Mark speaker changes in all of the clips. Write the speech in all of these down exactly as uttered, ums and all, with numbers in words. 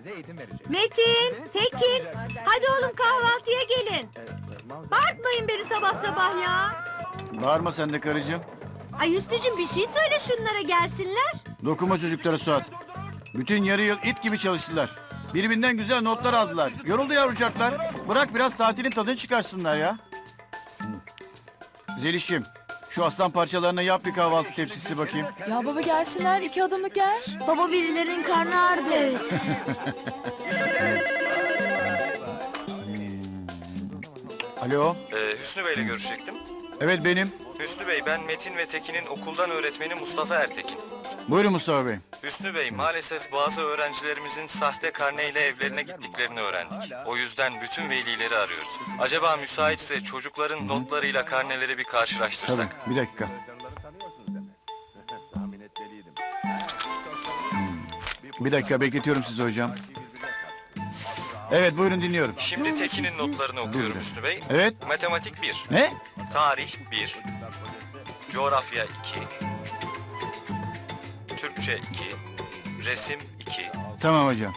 Speaker 1: Metin, Tekin, hadi oğlum kahvaltıya gelin. Bağırtmayın beni sabah sabah ya.
Speaker 2: Bağırma sen de karıcığım.
Speaker 1: Ay Hüsnücüm bir şey söyle şunlara gelsinler.
Speaker 2: Dokunma çocuklara Suat. Bütün yarı yıl it gibi çalıştılar. Birbirinden güzel notlar aldılar. Yoruldu yavrucaklar. Bırak biraz tatilin tadını çıkarsınlar ya. Zeliş'im, şu aslan parçalarına yap bir kahvaltı tepsisi bakayım.
Speaker 3: Ya baba gelsinler iki adımlık yer.
Speaker 1: Baba birilerinin karnı ağrıdı. Evet.
Speaker 2: Alo,
Speaker 4: Ee, Hüsnü Bey'le görüşecektim.
Speaker 2: evet benim.
Speaker 4: Hüsnü Bey, ben Metin ve Tekin'in okuldan öğretmeni Mustafa Ertekin.
Speaker 2: Buyurun Mustafa Bey.
Speaker 4: Hüsnü Bey, maalesef bazı öğrencilerimizin sahte karneyle evlerine gittiklerini öğrendik. O yüzden bütün velileri arıyoruz. Acaba müsaitse çocukların notlarıyla karneleri bir
Speaker 2: Tabii,
Speaker 4: karşılaştırsak?
Speaker 2: bir dakika. Bir dakika bekletiyorum sizi hocam. Evet buyurun dinliyorum.
Speaker 4: Şimdi Tekin'in notlarını okuyorum
Speaker 2: Buyurun.
Speaker 4: Hüsnü Bey.
Speaker 2: Evet.
Speaker 4: Matematik bir,
Speaker 2: Ne?
Speaker 4: tarih bir, coğrafya iki, Türkçe iki, resim iki.
Speaker 2: Tamam hocam.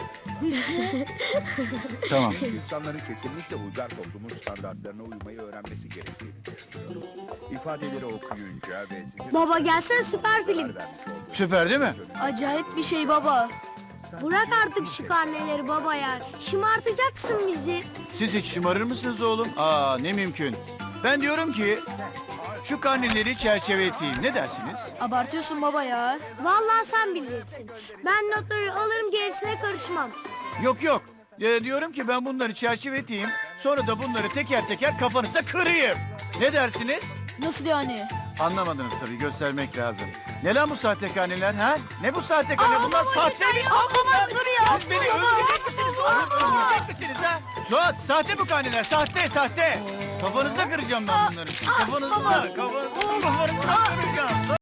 Speaker 2: Tamam.
Speaker 5: İnsanların kesinlikle uygar toplumun standartlarına uymayı öğrenmesi gerektiğini düşünüyorum. İfadeleri okuyunca ve... sizin-
Speaker 1: Baba gelsene süper film.
Speaker 5: vermiş olduğu-
Speaker 2: Süper değil mi?
Speaker 3: Acayip bir şey baba.
Speaker 1: Bırak artık şu karneleri baba ya. Şımartacaksın bizi.
Speaker 2: Siz hiç şımarır mısınız oğlum? Aa ne mümkün. Ben diyorum ki şu karneleri çerçeveleteyim. Ne dersiniz?
Speaker 3: Abartıyorsun baba ya.
Speaker 1: Vallahi sen bilirsin. Ben notları alırım gerisine karışmam.
Speaker 2: Yok yok. Ee, diyorum ki ben bunları çerçeveleteyim. Sonra da bunları teker teker kafanızda kırayım. Ne dersiniz?
Speaker 3: Nasıl yani?
Speaker 2: Anlamadınız tabii, göstermek lazım. Ne lan bu sahte karneler ha? Ne bu sahte karne?
Speaker 1: Aa,
Speaker 2: Bunlar
Speaker 1: baba,
Speaker 2: sahte
Speaker 1: yeter
Speaker 2: mi?
Speaker 1: ya, baba, dur ya,
Speaker 2: Siz beni
Speaker 1: baba.
Speaker 2: öldürecek misiniz oğlum? Öldürecek misiniz ha? Suat, sahte bu karneler, sahte, sahte. Kafanızda kıracağım ben bunları. Kafanızda, kafanızda, kafanızda kıracağım.